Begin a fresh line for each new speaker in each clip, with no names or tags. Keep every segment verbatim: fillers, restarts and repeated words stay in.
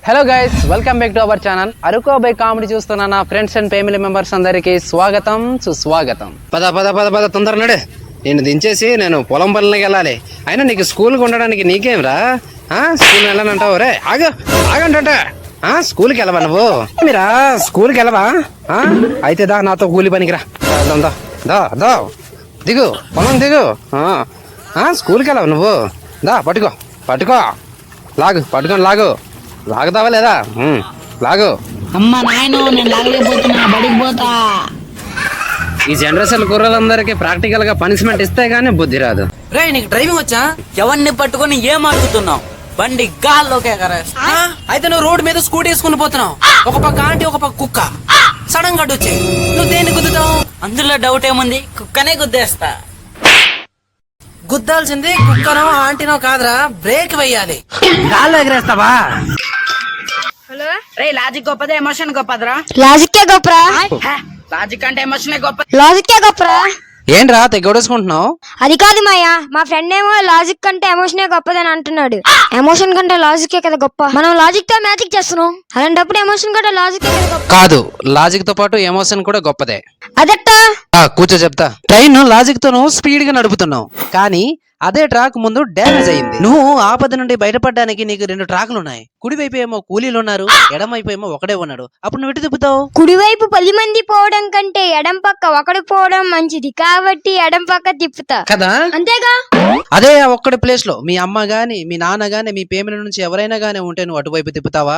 Hello guys, welcome back to our channel Araku by comedy. చూస్తున్నా నా friends and family members అందరికి స్వాగతం సుస్వాగతం. పద పద పద పద తొందర నడే, నేను దించేసి నేను పొలం పనులకి వెళ్ళాలి. అయినా నీకు స్కూల్కి ఉండడానికి నీకేం రా, స్కూల్ వెళ్ళానంటావు? రే ఆగ ఆగంటే స్కూల్కి వెళ్ళవా నువ్వు? మీరా స్కూల్కి వెళ్ళవా? అయితే దా నాతో కూలి పనికి రా. దా దా దా దిగు, పొలం దిగు. స్కూల్కి వెళ్ళవా నువ్వు? దా పట్టుకో పట్టుకో, లాగు పట్టుకొని లాగు. లాగుతావా లేదా? లాగు.
అమ్మ నాయన, నేను లాగలేకపోతున్నా, బడికి పోతా.
ఈ జనరేషన్ కుర్రలందరికీ ప్రాక్టికల్ గా పనిష్మెంట్ ఇస్తే గానీ బుద్ధి రాదు.
రే, నీకు డ్రైవింగ్ వచ్చా?
ఎవరిని పట్టుకొని ఏం అడుగుతున్నావు? బండి గాల్లోకే కదా.
అయితే నువ్వు రోడ్డు మీద స్కూటీ వేసుకుని పోతున్నావు, ఒక పక్క ఆంటీ ఒక పక్క కుక్క. సడన్ గా వచ్చి నువ్వు దేన్ని గుద్దుతావు?
అందులో డౌట్ ఏముంది, కుక్కనే గుద్దేస్తా.
గుద్దాల్సింది కుక్కనో ఆంటీనో కాదురా, బ్రేక్ వెయ్యాలి.
గాల్లో ఎగరేస్తావా?
హలో రే, లాజిక్ గొప్పదా ఎమోషన్ గొప్పదరా?
లాజిక్కే గొప్పరా.
లాజిక్ అంటే ఎమోషనే గొప్ప.
లాజిక్కే గొప్పరా.
ఏంట్రా తెగొడేసుకుంటున్నావు?
అది కాదు మాయా, మా ఫ్రెండ్ ఏమో లాజిక్ కంటే ఎమోషనే గొప్పదని అంటున్నాడు. ఎమోషన్ కంటే లాజిక్కే కదా గొప్ప. మనం లాజిక్ తో మ్యాజిక్ చేస్తున్నాం, అలాంటప్పుడు ఎమోషన్ కంటే లాజిక్
కాదు, లాజిక్ తో పాటు ఎమోషన్ కూడా గొప్పదే.
అదట్టా
కూర్చో చెప్తా. ట్రైన్ లాజిక్ తో స్పీడ్ గా నడుపుతున్నావు, కానీ అదే ట్రాక్ ముందు డ్యామేజ్ అయింది. నువ్వు ఆపద నుండి బయటపడడానికి నీకు రెండు ట్రాకులు ఉన్నాయి. కుడివైపు ఏమో కూలీలు ఉన్నారు, ఎడమవైపు ఏమో ఒకడే ఉన్నాడు. అప్పుడు నువ్వు ఎటు తిప్పుతావు?
కుడివైపు పది మంది పోవడం కంటే ఎడం పక్క ఒకడు పోవడం మంచిది కాబట్టి ఎడం పక్క తిప్పుతా
కదా.
అంతేగా.
అదే ఒక్కడి ప్లేస్ లో మీ అమ్మ గాని మీ నాన్న గాని మీ పేమిల నుంచి ఎవరైనా గానీ ఉంటే నువ్వు అటువైపు తిప్పుతావా?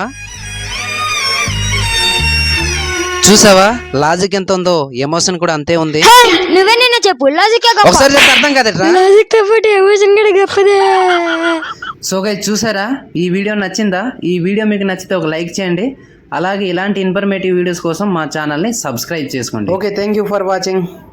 చూసావా లాజిక్ ఎంత ఉందో, ఎమోషన్ కూడా అంతే ఉంది.
నువ్వే నిన్న చెప్పు, లాజిక్
ఒకసారి చెప్తే అర్థం కాదట్రా.
లాజిక్ తో పాటు ఎమోషన్ కూడా గొప్పదే.
సో గైస్, చూసారా ఈ వీడియో నచ్చిందా? ఈ వీడియో మీకు నచ్చితే ఒక లైక్ చేయండి. అలాగే ఇలాంటి ఇన్ఫర్మేటివ్ వీడియోస్ కోసం మా ఛానల్ని సబ్స్క్రైబ్ చేసుకోండి. Okay, thank you for watching.